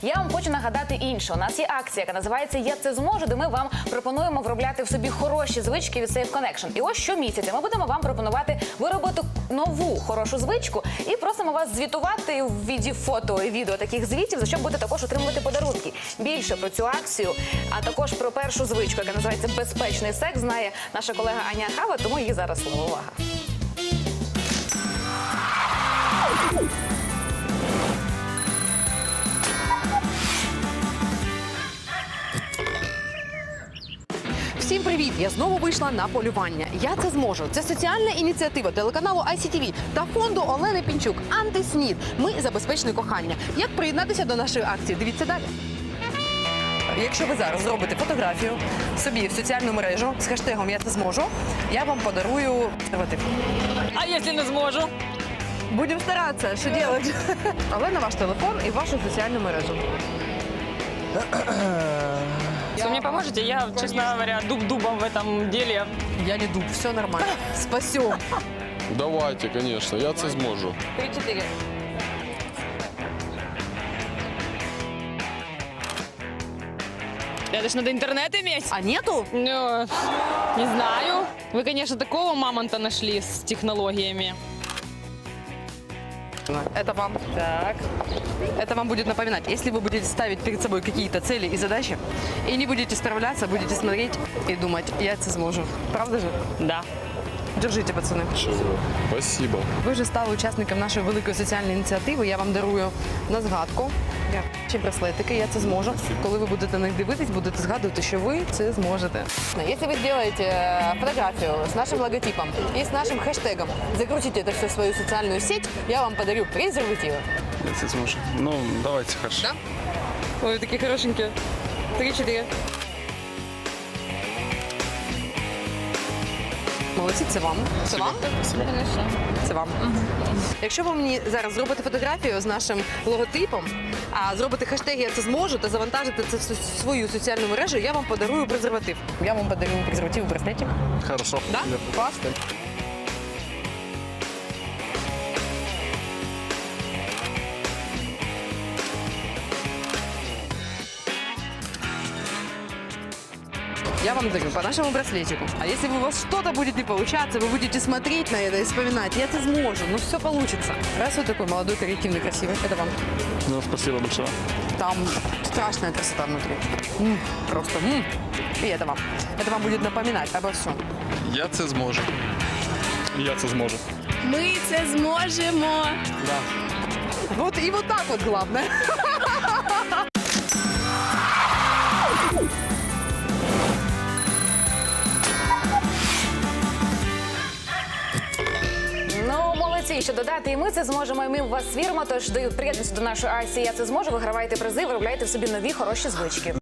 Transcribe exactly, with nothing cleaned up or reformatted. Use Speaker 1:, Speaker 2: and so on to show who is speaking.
Speaker 1: Я вам хочу нагадати інше. У нас є акція, яка називається «Я це зможу», де ми вам пропонуємо виробляти в собі хороші звички від Safe Connection. І ось щомісяця ми будемо вам пропонувати виробити нову хорошу звичку і просимо вас звітувати в віді фото і відео таких звітів, за що будете також отримувати подарунки. Більше про цю акцію, а також про першу звичку, яка називається «Безпечний секс», знає наша колега Аня Хава, тому її зараз слово. Увага!
Speaker 2: Всім привіт! Я знову вийшла на полювання. Я це зможу. Це соціальна ініціатива телеканалу ай сі ті ві та фонду Олени Пінчук «Антиснід». Ми за безпечне кохання. Як приєднатися до нашої акції? Дивіться далі. Якщо ви зараз зробите фотографію собі в соціальну мережу з хештегом «Я це зможу», я вам подарую презерватив.
Speaker 3: А якщо не зможу?
Speaker 2: Будемо старатися, що робити. Але на ваш телефон і вашу соціальну мережу.
Speaker 3: Вы мне поможете? Я, честно говоря, дуб дубом в этом деле.
Speaker 2: Я не дуб, все нормально. Спасем.
Speaker 4: Давайте, конечно, я це зможу.
Speaker 2: Три-чотири.
Speaker 3: Это ж надо интернет иметь.
Speaker 2: А нету?
Speaker 3: Ну, не знаю. Вы, конечно, такого мамонта нашли с технологиями.
Speaker 2: Это вам.
Speaker 3: Так.
Speaker 2: Это вам будет напоминать. Если вы будете ставить перед собой какие-то цели и задачи, и не будете справляться, будете смотреть и думать, я это сможу. Правда же?
Speaker 3: Да.
Speaker 2: Держите, пацаны.
Speaker 4: Чого? Спасибо.
Speaker 2: Ви вже стали учасником нашої великої соціальної ініціативи. Я вам дарую на згадку чи браслетики, я це зможу. Коли ви будете на них дивитись, будете згадувати, що ви це зможете. Якщо ви зробите фотографію з нашим логотипом і з нашим хештегом, закрутите це все в свою соціальну сеть, я вам подарю презервативи.
Speaker 5: Я це зможу. Ну, давайте, хорошо.
Speaker 2: Да? Ой, такі хорошенькі. Три-чотири. Молодці, це вам. Це вам? Це вам. Якщо ви мені зараз зробите фотографію з нашим логотипом, а зробите хештег «Я це зможу» та завантажите це в свою соціальну мережу, я вам подарую презерватив. Я вам подарую презерватив у браслеті.
Speaker 5: Хорошо.
Speaker 2: Да? Клас? Я вам дарю по нашему браслетику. А если у вас что-то будет не получаться, вы будете смотреть на это и вспоминать, я это сможу, ну все получится. Раз вы такой молодой, креативный, красивый, это вам.
Speaker 5: Ну, спасибо большое.
Speaker 2: Там страшная красота внутри. М, просто. М. И это вам. Это вам будет напоминать обо всем.
Speaker 5: Я це зможу. Я це зможу.
Speaker 6: Ми це зможемо.
Speaker 2: Вот и вот так вот главное.
Speaker 1: Ну, молодці, що додати, і ми це зможемо, і ми в вас віримо, тож приєднуйтесь до нашої акції «Я це зможу», вигравайте призи, виробляйте в собі нові хороші звички.